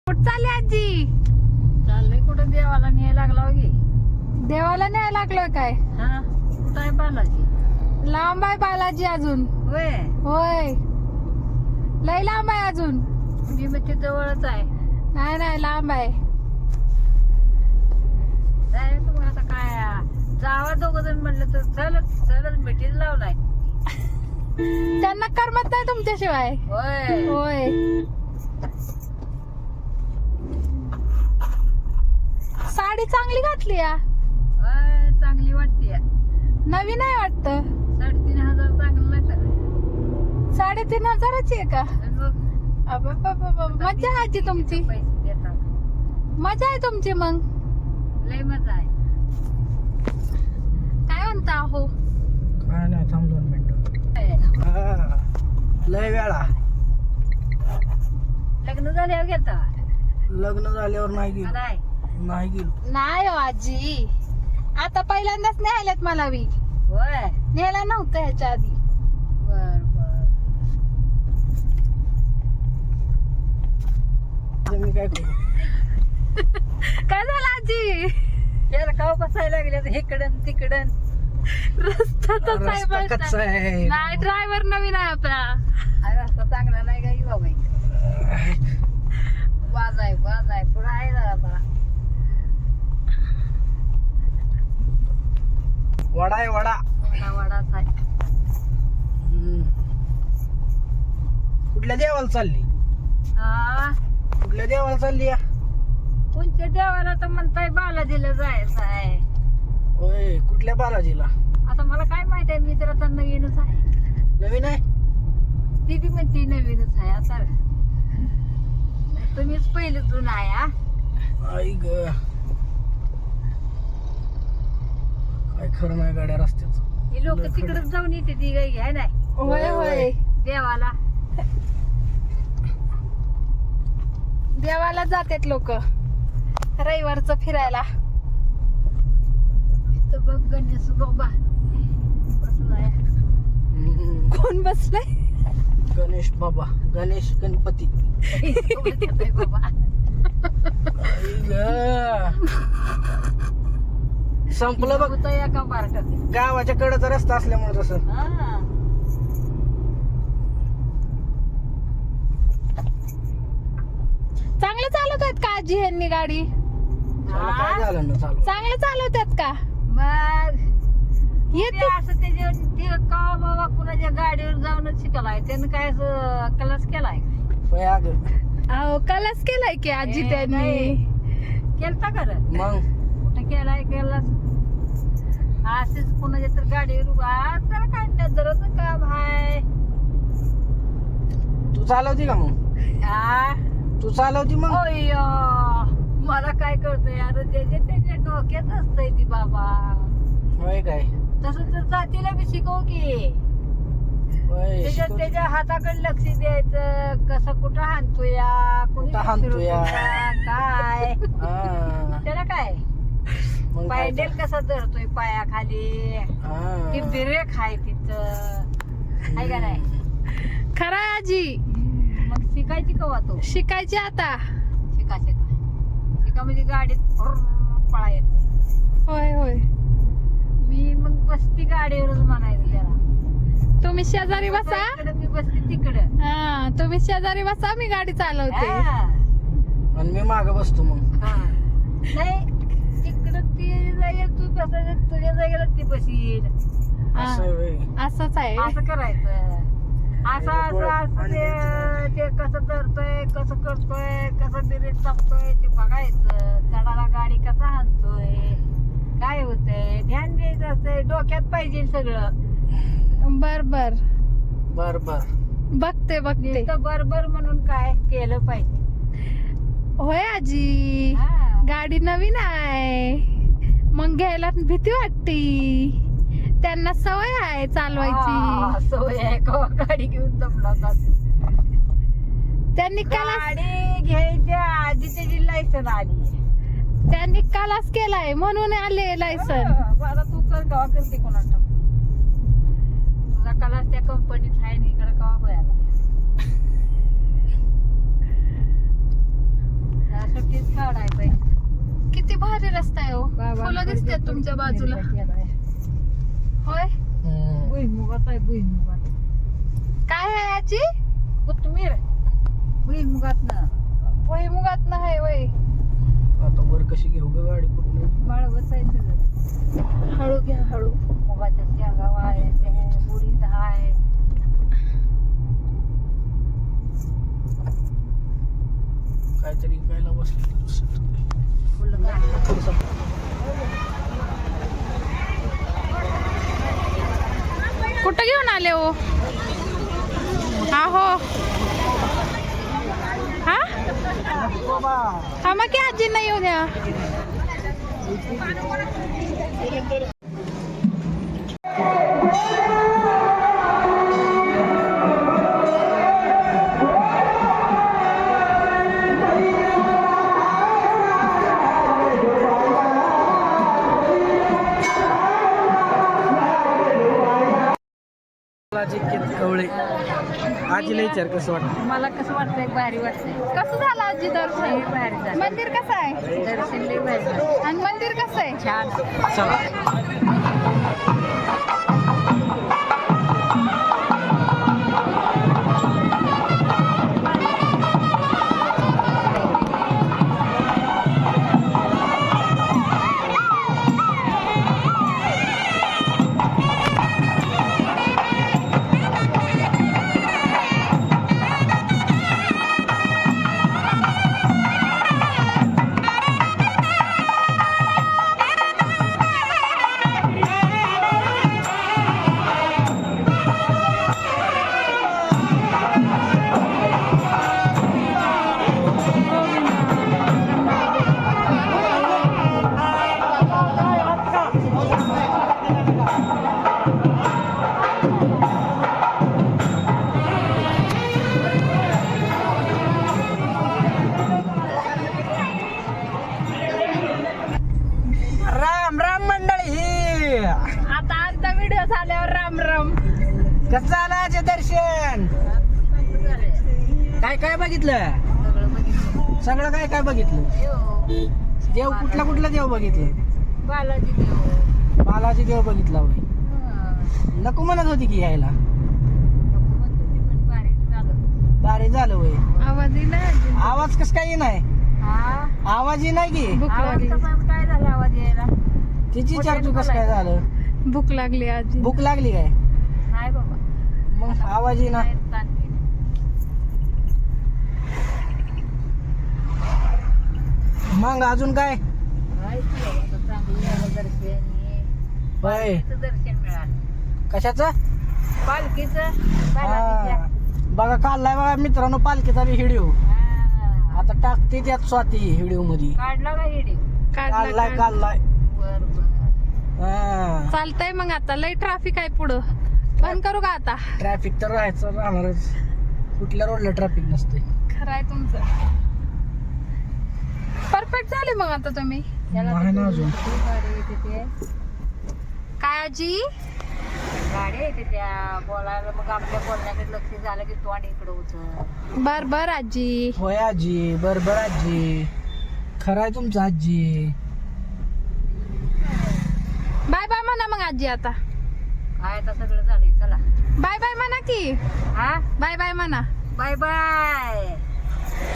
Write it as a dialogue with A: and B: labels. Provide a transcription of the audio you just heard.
A: कुठं चालली आजी?
B: चाललंय कुठं देवाला न्यायला लागला की.
A: देवाला न्यायला लागलोय काय?
B: हा कुठं आहे बालाजी?
A: लांब आहे बालाजी अजून.
B: होय
A: होय लय लांब आहे अजून.
B: मी मग ते जवळच आहे.
A: नाही नाही लांब आहे.
B: जाय तुम्ही आता काय जावा दोघ जण म्हणलं तर चलत चलत मिठीच लावलाय.
A: त्यांना करमत नाही तुमच्याशिवाय.
B: होय
A: होय साडी चांगली घातली या.
B: होय चांगली वाटते.
A: नवीन आहे वाटत.
B: 3,500 चांगलं नाही तर
A: 3,500ची आहे का?
B: मग
A: अबाबाबाबा, मजा आहे आजी तुमची.
B: पैसे देतात
A: मजा आहे तुमची मग.
B: लय मजा आहे.
A: काय म्हणता हो?
C: काय नाही, थांब 2 मिनिटं. लय वेळा
B: लग्न झाल्यावर घेता
C: लग्न झाल्यावर नाही गेलो.
B: काय
C: नाही गेलो.
A: नाही हो आजी, आता पहिल्यांदाच न्यायलात मला बी.
B: होय
A: न्यायला नव्हतं ह्याच्या आधी.
B: बर बर
C: आता मी काय करू?
A: काय झालं आजी?
B: त्याला का बसायला लागले तर इकडं तिकडं.
A: रस्ता तसा आहे
C: रस्ता
A: बरं का?
C: कच्चा आहे.
A: नाही ड्रायव्हर नवीन आहे आपला.
B: हा रस्ता चांगला नाही का बाबा. वाज आहे पुढं आहे जरा आता.
C: वडा आहे वडा.
B: वडाच आहे.
C: कुठल्या देवाला चालली?
B: हा
C: कुठल्या देवाला चालली या?
B: कोणत्या देवाला तर म्हणताय बालाजीला जायचं आहे.
C: होय कुठल्या बालाजीला?
B: आता मला काय माहित आहे. मी तर आता नवीनच आहे.
C: नवीन आहे?
B: ती बी म्हणते नवीनच आहे. आता तुम्हीच पहिले जुना आहे. हा
C: आई ग, काय खरं नाही गाड्या रस्त्याचं.
B: ही लोक तिकडच जाऊन येते ती गाई घ्याय नाही
A: होय होय
B: देवाला.
A: देवाला जातात लोक रविवारचं फिरायला.
B: इथं बघ गणेश बाबा बसलाय.
A: कोण बसलाय?
C: गणेश बाबा, गणेश गणपती.
B: बाबा
C: आई ग, संपलं बघ.
B: होतं एका पार्टात.
C: गावाच्या कडेचा रस्ता असल्यामुळे तसं.
B: हा
A: चांगलं चालवत आहेत का आजी ह्यांनी गाडी?
C: त्याला काय झालं ना चालू?
A: चांगलं चालवतात का?
B: मग ते
A: येते
B: असं ते का बाबा कुणाच्या गाडीवर जाऊनच शिकलाय. त्यानं काय असं क्लास केलाय
C: होय अग.
A: अहो कलास केलाय की आजी
B: ए,
A: त्यांनी.
B: नाही. केलता खरं
C: मग
B: कुठं केलाय केलास. असेच कुणाच्या तर गाडीवर उभा त्याला काय नजरच काम हाय.
C: तू चालवती का मग?
B: हा
C: तू चालवती मग?
B: ओय मला काय कळतंय यार. त्याच्या डोक्यात असतंय ती बाबा.
C: होय काय?
B: तसं तर जातीला बी शिकव की.
C: होय शिकवते.
B: त्याच्या हाताकडे लक्ष द्यायचं. कसं कुठं हाणतोया कुणी
C: कुठं हाणतोया.
B: काय
C: हा.
B: त्याला काय
C: मग काय
B: पायडेल
C: तर.
B: कसा धरतोय पायाखाली.
C: हा.
B: ती ब्रेक आहे तिथं आहे का नाही.
A: खरं आहे आजी.
B: मग शिकायची कवा तो.
A: शिकायची आता.
B: शिका म्हणजे गाडीत पळा येते.
A: होय होय
B: मी मग बसती गाडीवरच म्हणायचं त्याला.
A: तुम्ही शेजारी बसा.
B: इकडं मी बसते तिकडं.
A: हा तुम्ही शेजारी बसा, मी गाडी चालवते.
B: हा.
C: आणि मी माग बसतो मग.
B: हा. नाही तिकडं ती जागेला तू बसायचं. तुझ्या जागेला ती बसील.
A: हा,
C: असं होय.
A: असंच आहे.
B: असं करायचं. असं ते कसं धरतोय कसं करतोय कसं ब्रेक टाकतोय ते बघायचं. चढाला गाडी कसा हाणतोय काय होतंय ध्यान द्यायचं असतंय. डोक्यात पाहिजे सगळं.
A: बर बर
C: बर बर.
A: बघते बघते.
B: नुसतं बरोबर म्हणून काय केलं पाहिजे.
A: होय आजी,
B: हा.
A: गाडी नवीन आहे मग घ्यायला भीती वाटती. त्यांना सवय आहे चालवायची.
B: सवय आहे कवा गाडी घेऊन जमला होता.
A: त्यांनी कलास
B: गाडी घ्यायच्या आधी त्याची लायसन आली.
A: त्यांनी कलास केलाय म्हणून आले लायसन.
B: मला तू कर कवा करते कोणाला. तुझा कलास त्या कंपनीत आहे आणि इकडे कवा बघायला. काढायचंय.
A: किती भारी रस्ता आहे हो.
B: बाबा,
A: फुलं दिसतात तुमच्या बाजूला. होय,
B: भुईमुगात आहे, भुईमुगात.
A: काय आहे आजी?
B: कोथमीर भुईमुगात ना
A: भुईमुगात नाही वय.
C: आता वर कशी घेऊ ग गाडी कुठून?
B: बाळ बसायचं.
A: हळू घ्या, हळू.
B: मुगाच्या शेंगा वाळायच्या, उडीद आहे.
C: काहीतरी खायला बसलं तर दुसरं काय.
B: फुलं घालायचं.
A: कुठं घेऊन आले हो? आहो हा हा, मग की आजी नाही येऊ द्या.
C: कवळे आजीला विचार कसं वाटतं?
B: मला कसं वाटतंय? भारी वाटतंय.
A: कसं झालं आजी दर्शन?
B: लई भारी झालं.
A: मंदिर कसं आहे?
B: दर्शन लई भारी झालं.
A: आणि मंदिर कसं आहे?
B: छान.
C: चला. राम राम मंडळी.
A: आता आजचा व्हिडिओ झाल्यावर राम राम.
C: कसं झालं आजचे दर्शन? काय काय बघितलं?
B: सगळं बघितलं.
C: सगळं काय काय बघितलं?
B: देव,
C: देव कुठला देव बघितलं?
B: बालाजी देव.
C: बालाजी देव बघितला होय.
B: हं.
C: नको म्हणत होती की यायला.
B: नको म्हणत होती, पण भारी झालं.
C: बारे झालं होय.
A: आवाज येईना आजी.
C: आवाज कस काही नाही.
B: हा,
C: आवाज ही नाही की.
A: भूक
B: आवाज
A: लागली.
B: कसा काय झाला आवाज यायला?
C: तिची चर्चू कसं काय झालं?
A: भूक लागली आजी.
C: भूक लागली काय?
B: नाही बाबा.
C: मग आवाज ही ना.
B: नाही ताण केली.
C: मग अजून काय?
B: काय की बाबा, आता चांगलं झालं दर्शन. हे
C: होय.
B: पालखीचं दर्शन मिळालं.
C: कशाचं?
B: पालखीचं बालाजीच्या.
C: हा. बघा काढलाय बघा मित्रांनो पालखीचा व्हिडिओ.
B: हा.
C: आता टाकते त्यात स्वाती व्हिडिओ मध्ये.
B: काढला का व्हिडिओ?
C: काढलाय काढलाय.
B: बर बर.
C: हा.
A: चालतंय मग. आता लय ट्रॅफिक आहे पुढं. बंद करू का आता?
C: ट्रॅफिक तर राहणारच. कुठल्या रोडला ट्रॅफिक नसते.
A: खरं आहे तुमचं. परफेक्ट झाले मग आता तुम्ही.
B: त्याला
C: नाही ना
B: तर
C: अजून.
B: गाडी येते ते.
A: काय आजी?
B: गाडी येते त्या बोलायला, मग आपल्या बोलण्याकडे लक्ष झालं की तोंड इकडं होतं.
A: बर बर आजी.
C: होय आजी. बरोबर आजी. खरं आहे तुमचं आजी.
A: बाय बाय म्हणा मग आजी आता.
B: काय आता सगळं झालंय. चला
A: बाय बाय म्हणा की.
B: हा,
A: बाय बाय म्हणा.
B: Bye bye.